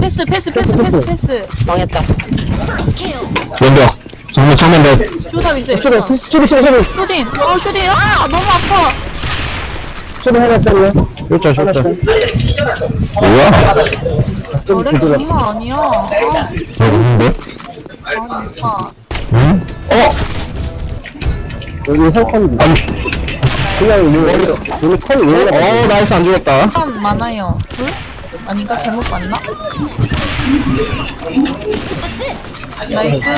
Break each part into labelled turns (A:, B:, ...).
A: 패스.
B: 망했다.
C: 왼벽. 정면 넷.
A: 쇼답 있어요.
D: 쇼리.
A: 쇼딘. 쇼딘. 너무 아파.
D: 쇼리 하나 때려.
C: 쇼자. 뭐야?
A: 저래 장난 아니야.
C: 누군데?
A: 오빠.
C: 응?
D: 여기 설컨. 그냥 여기 컬이 왜 올라가?
C: 나이스 안 죽었다.
A: 사람 많아요. 둘? 아닌가? 잘못 봤나? 나이스.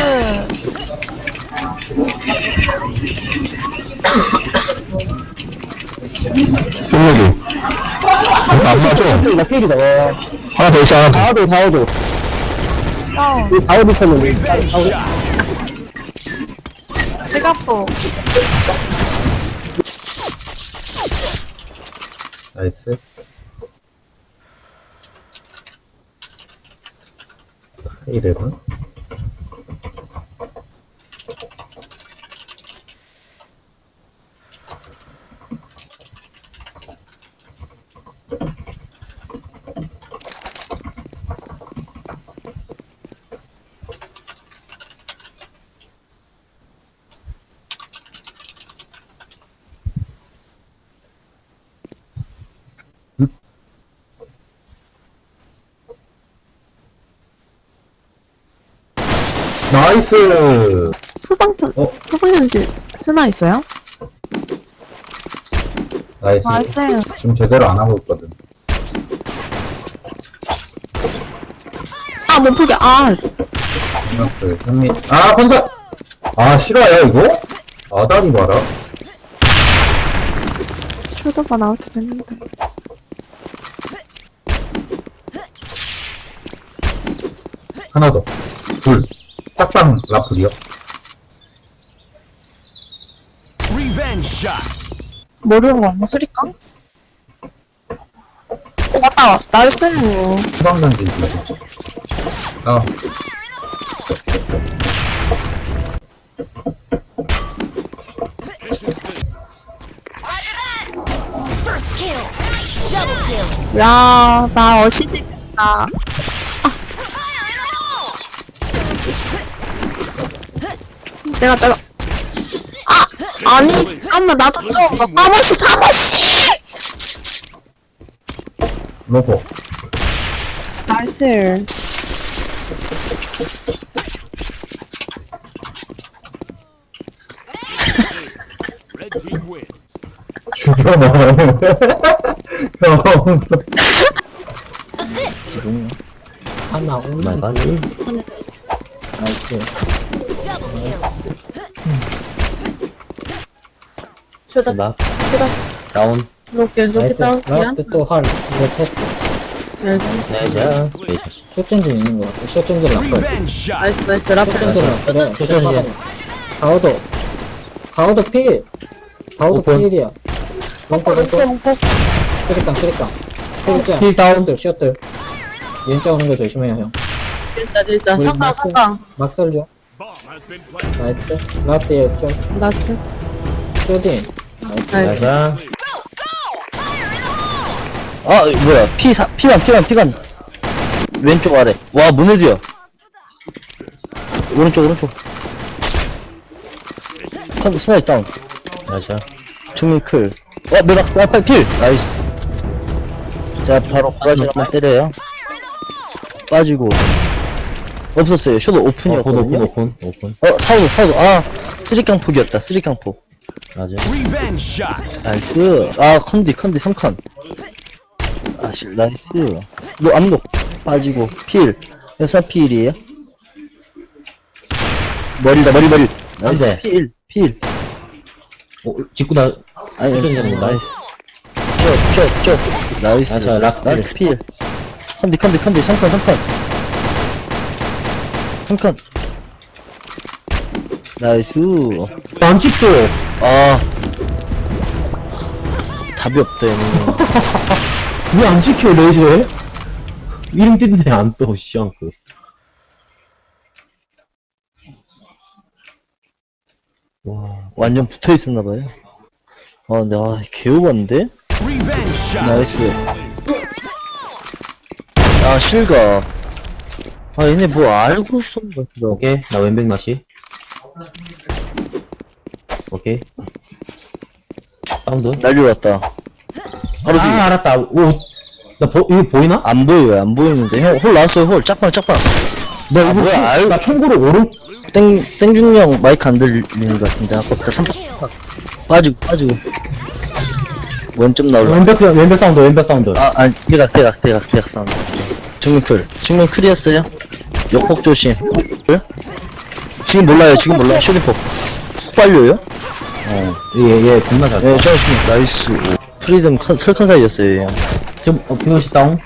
C: 쫑력이. 안 맞아.
D: 나 필이다. 와.
C: 하나 더 있어, 하나 더.
D: 4호도.
A: 다운.
D: 4호도 있었는데.
A: 제가포.
E: 나이스. 이래봐. 나이스!
F: 후방전지 스나 있어요?
E: 나이스.
F: 나이스.
E: 지금 제대로 안 하고 있거든.
F: 못 풀게.
E: 생각들, 현미. 건설! 싫어요, 이거? 다리 봐라.
F: 쇼도가 나올 때 됐는데.
E: 하나 더. 둘. 짝방 라플이요.
F: 모르는 거 없나? 수리깡? 맞다. 나이스.
E: 후방전지 있어.
F: 야, 나 어시됐다. 내가. 아니, 잠깐만, 나도 좀, 나 사모씨!
E: 로고.
F: 나이스.
E: 죽여봐. 형.
B: 하나 올라가니. 나이스. 쇼다. 다운. 나이스. 라스트 또 활. 이거 패스. 나이스. 쇼전진 있는 거 같아. 쇼전진 라플.
F: 나이스,
B: 쇼전진 라플. 쇼전진. 4호도 필. 4호도 필이야. 롱포. 쓰리깡. 필자. 필 다운들, 셔틀. 왼쪽 오는 거 조심해요, 형.
F: 일자. 상가.
B: 막 썰죠. 나이스. 라스트에 쇼.
F: 라스트.
B: 쇼딘. 나이스.
D: 뭐야. 피반. 왼쪽 아래. 와, 문헤드야. 오른쪽. 스나이스 다운.
B: 나이스.
D: 정밀 클. 매박, 필! 나이스. 자, 바로 브라질 한번 때려요. 빠지고. 없었어요. 쇼도 오픈이었거든요.
B: 오픈.
D: 사우도. 쓰리깡 폭이었다. 쓰리깡 폭.
B: 맞아.
D: 나이스. 컨디 3컨. 나이스. 암록. 빠지고. 필. 여사 필이에요. 머리. 나이스. 필.
B: 직구 나.
D: 아니,
B: 쇼전진
D: 나이스. 쪽. 나이스. 나이스 필. 컨디 3컨. 3컨. 나이스.
C: 안 찍혀.
D: 답이 없다, 얘는.
C: 왜 안 찍혀, 레이저에? 이름 뜨는데 안 떠, 씨앙크.
D: 완전 붙어 있었나봐요. 근데, 개오반데? 나이스. 실가. 아, 얘네 뭐 알고 쏜 거야.
C: 오케이. 나 왼백 나시. 오케이. 사운드.
D: 날려 왔다. 바로 뒤.
C: 아, 알았다. 오. 이거 보이나?
D: 안 보여요, 안 보이는데. 형, 홀 나왔어요, 홀. 짝방.
C: 나 이거
D: 뭐야,
C: 나 총구로 오른.
D: 땡중령 마이크 안 들리는 것 같은데. 아까부터 3박. 빠지고. 원점 나올라.
C: 왼백 사운드.
D: 아, 아니, 대각 사운드. 정면 클이었어요. 역폭 조심. 그래? 지금 몰라요. 쇼딩폭. 훅 빨려요?
C: 얘 겁나 잘.
D: 네, 잠시만. 나이스. 오. 프리덤 설컨 사이였어요, 얘.
C: 지금, 비오시 다운.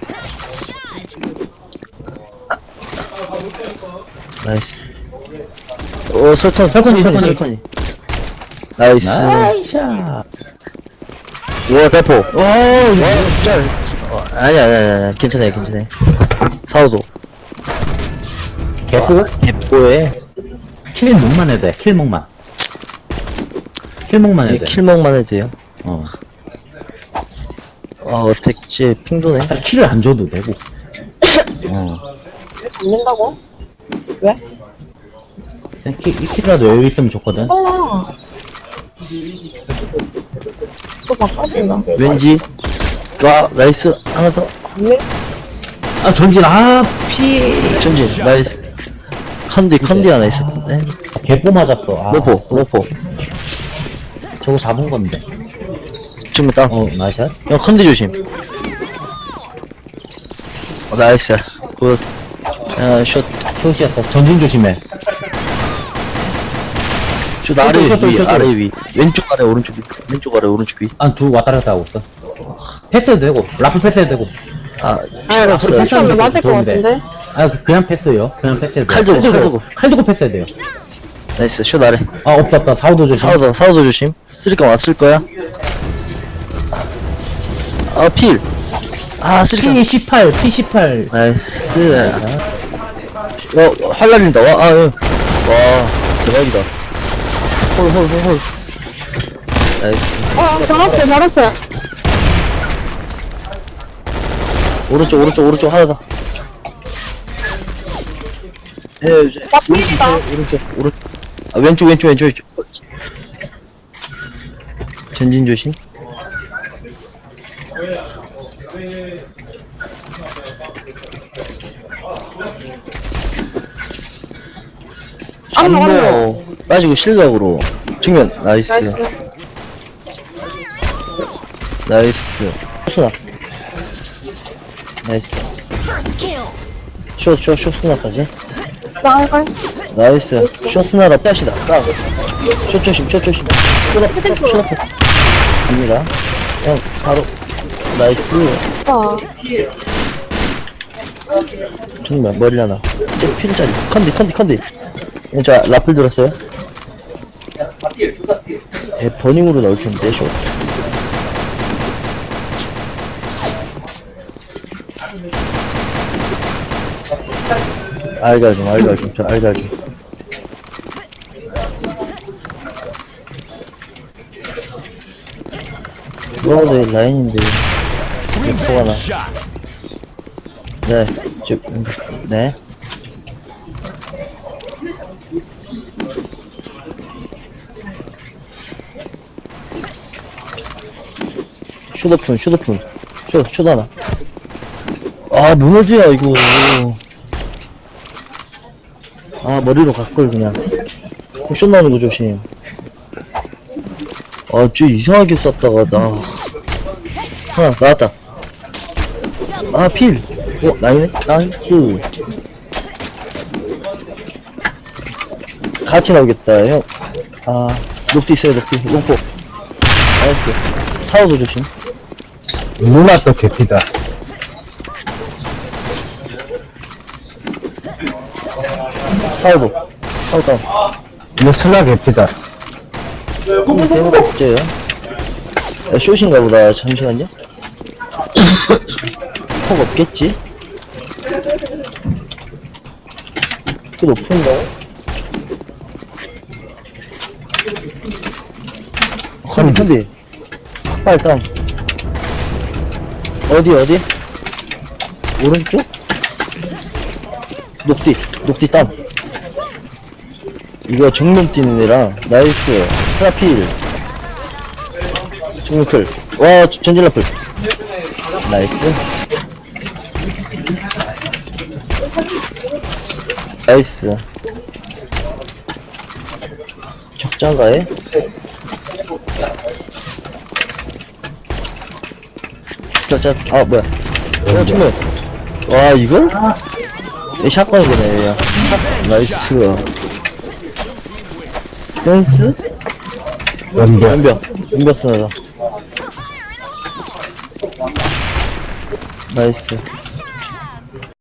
D: 나이스. 설컨이. 나이스.
C: 나이샤.
D: 우와, 대포.
C: 오,
D: 짤. 아니야. 괜찮아요. 사오도.
C: 개뽀?
D: 개뽀에.
C: 킬목만 해도 돼, 킬목만 해도 돼.
D: 킬먹만 해도 돼요. 어택지 핑도네.
C: 아싸, 킬을 안 줘도 되고.
A: 죽는다고? 왜?
C: 그냥 이 킬이라도 여유 있으면 좋거든.
A: 또 바꿔준다.
D: 왠지. 와, 나이스. 하나 더.
C: 아, 전진, 피.
D: 전진. 나이스. 컨디 하나 있었는데.
C: 개뽀 맞았어. 아,
D: 로포.
C: 저거 잡은 건데.
D: 지금 땅.
C: 나이스.
D: 형, 컨디 조심. 나이스. 굿. 슛.
C: 숏이었어. 전진 조심해.
D: 슛 아래
C: 슛,
D: 위,
C: 슛.
D: 아래 위. 왼쪽 아래, 오른쪽 위. 왼쪽 아래, 오른쪽 위.
C: 둘 왔다 갔다 하고 있어. 패스해도 되고, 라프 패스해도 되고.
F: 아니,
C: 없어요.
F: 패스하면 맞을 것
C: 도움이 돼.
F: 같은데?
C: 그냥 패스요. 그냥 패스해도 돼.
D: 칼 들고.
C: 패스해야 돼요.
D: 나이스. 슛 아래.
C: 없다. 사우도 조심.
D: 사우도 조심. 쓰리깡 왔을 거야. 필. 쓰리깡.
C: P18.
D: 나이스. 활 날린다. 와, 대박이다. 홀. 나이스.
F: 바로 앞에.
D: 오른쪽 하나 더. 이제.
F: 나 필이다.
D: 오른쪽. 왼쪽. 전진 조심. 안보 빠지고 실각으로 정면. 나이스. 쇼스나. 나이스. 쇼스나까지. 나이스. 쇼스나라 빼시다. 쇼 조심. 쇼다포. 갑니다. 형, 바로. 나이스. 정말 머리 하나. 쟤 필자리. 컨디. 자, 라플 들었어요? 버닝으로 나올 텐데, 쇼. 알갈 좀. 이거보다 라인인데, 포가 나. 네. 슛오픈. 슛 하나. 무너져야, 이거. 머리로 갈걸, 그냥. 슛 나오는 거 조심. 쟤 이상하게 쐈다가, 하나, 나왔다. 필. 나이스. 같이 나오겠다, 형. 녹디 있어요, 롱포. 나이스. 사우도 조심.
E: 누나 또 개피다.
D: 사우도 다운.
E: 이거 슬라 개피다.
D: 대박 없죠요? 숏인가 보다. 잠시만요. 폭 없겠지? 그 높은 거? 컨디. 빨리 다운. 어디? 오른쪽? 녹디 땀. 이거 정면 뛰는 애랑, 나이스. 스나필. 정면클. 와, 전진라플. 나이스. 나이스. 적장가에? 짤, 아, 뭐야. 정면. 와, 이걸? 이 샷건이네, 야. 나이스. 센스? 연벽 스나다. 나이스.